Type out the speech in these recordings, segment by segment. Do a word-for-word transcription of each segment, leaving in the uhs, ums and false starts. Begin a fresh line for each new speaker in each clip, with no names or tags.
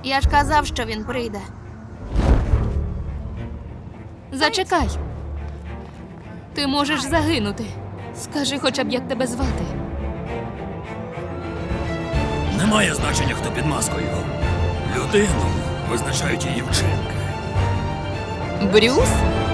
Я ж казав, що він прийде. Зачекай. Ти можеш загинути. Скажи хоча б, як тебе звати.
Немає значення, хто під маскою. Людину визначають її вчинки.
Брюс?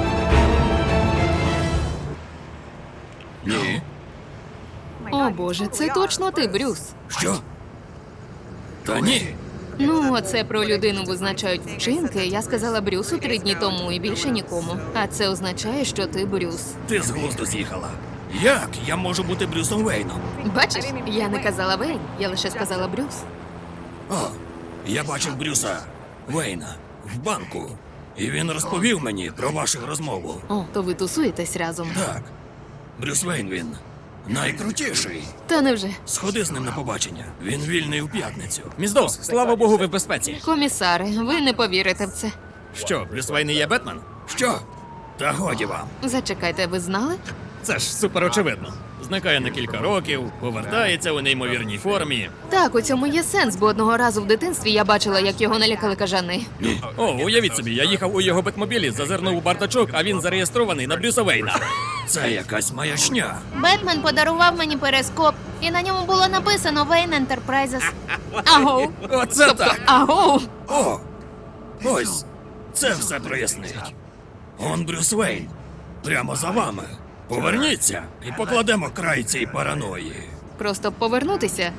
Ні.
О боже, це точно ти, Брюс.
Що? Та ні.
Ну, оце про людину визначають вчинки. Я сказала Брюсу три дні тому і більше нікому. А це означає, що ти Брюс.
Ти з глузду з'їхала. Як я можу бути Брюсом Вейном?
Бачиш, я не казала Вейн, я лише сказала Брюс.
О, я бачив Брюса Вейна в банку. І він розповів мені про вашу розмову.
О, то ви тусуєтесь разом.
Так. Брюс Вейн він найкрутіший.
Та невже?
Сходи з ним на побачення. Він вільний у п'ятницю.
Міс Доус, слава Богу, ви в безпеці.
Комісаре, ви не повірите в це.
Що, Брюс Вейн і є Бетмен?
Що? Та годі вам.
Зачекайте, ви знали?
Це ж супер очевидно. Зникає на кілька років, повертається у неймовірній формі.
Так, у цьому є сенс, бо одного разу в дитинстві я бачила, як його налякали кажани.
Ні.
О, уявіть собі, я їхав у його бетмобілі, зазирнув у бардачок, а він зареєстрований на Брюса Вейна.
Це якась маячня.
Бетмен подарував мені перископ, і на ньому було написано Wayne Enterprises. Агоу.
Оце
Тобто,
так.
агоу.
О! Ось! Це все прояснить. Он Брюс Вейн. Прямо за вами. Поверніться і покладемо край цій параної.
Просто повернутися.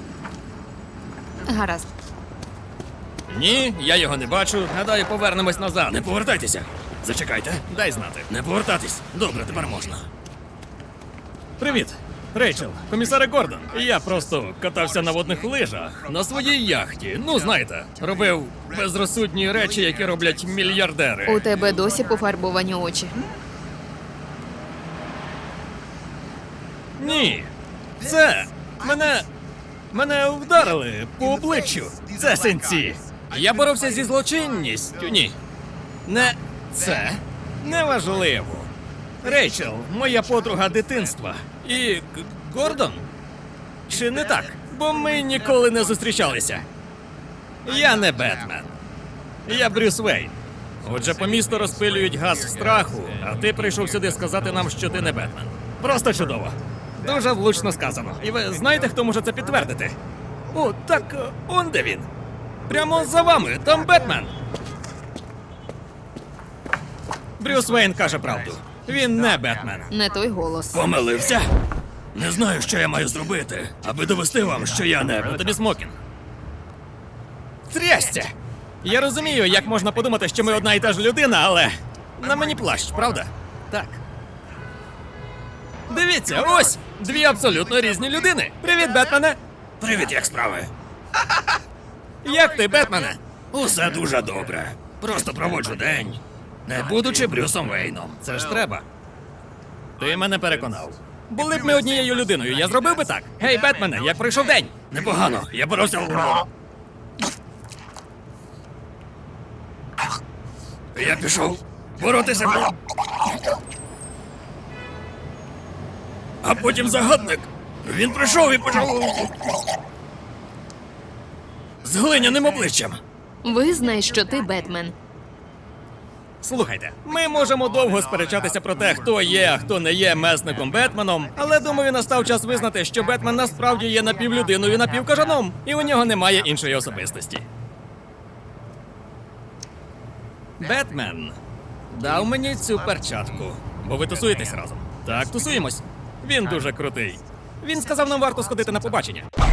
Гаразд.
Ні, я його не бачу. Гадаю, повернемось назад.
Не повертайтеся. Зачекайте.
Дай знати.
Не повертатись. Добре, тепер можна.
Привіт, Рейчел, комісаре Гордон. Я просто катався на водних лижах на своїй яхті. Ну, знаєте, робив безрозсудні речі, які роблять мільярдери.
У тебе досі пофарбовані очі.
Ні. Це мене. Мене вдарили по обличчю. Це синці. Я боровся зі злочинністю. Ні. Не це неважливо. Рейчел, моя подруга дитинства. І Г- Гордон? Чи не так? Бо ми ніколи не зустрічалися. Я не Бетмен. Я Брюс Вейн. Отже, по місту розпилюють газ страху, а ти прийшов сюди сказати нам, що ти не Бетмен. Просто чудово. Дуже влучно сказано. І ви знаєте, хто може це підтвердити? О, так е, он де він. Прямо за вами, там Бетмен. Брюс Вейн каже правду. Він не Бетмен.
Не той голос.
Помилився? Не знаю, що я маю зробити, аби довести вам, що я не.
А тобі смокінг. Трясця! Я розумію, як можна подумати, що ми одна і та ж людина, але на мені плащ, правда? Так. Дивіться, ось дві абсолютно різні людини. Привіт, Бетмене!
Привіт, як справи?
Як ти, Бетмене?
Усе дуже добре. Просто проводжу день, не будучи Брюсом Вейном.
Це ж треба. Ти мене переконав. Були б ми однією людиною, я зробив би так. Гей, Бетмене, як пройшов день?
Непогано, я боровся. Я пішов боротися. А потім загадник. Він прийшов і почав з глиняним обличчям.
Визнай, що ти Бетмен.
Слухайте, ми можемо довго сперечатися про те, хто є, а хто не є месником Бетменом, але думаю, настав час визнати, що Бетмен насправді є напівлюдиною, напівкажаном, і у нього немає іншої особистості. Бетмен дав мені цю перчатку, бо ви тусуєтесь разом. Так, тусуємось. Він дуже крутий. Він сказав, нам варто сходити на побачення.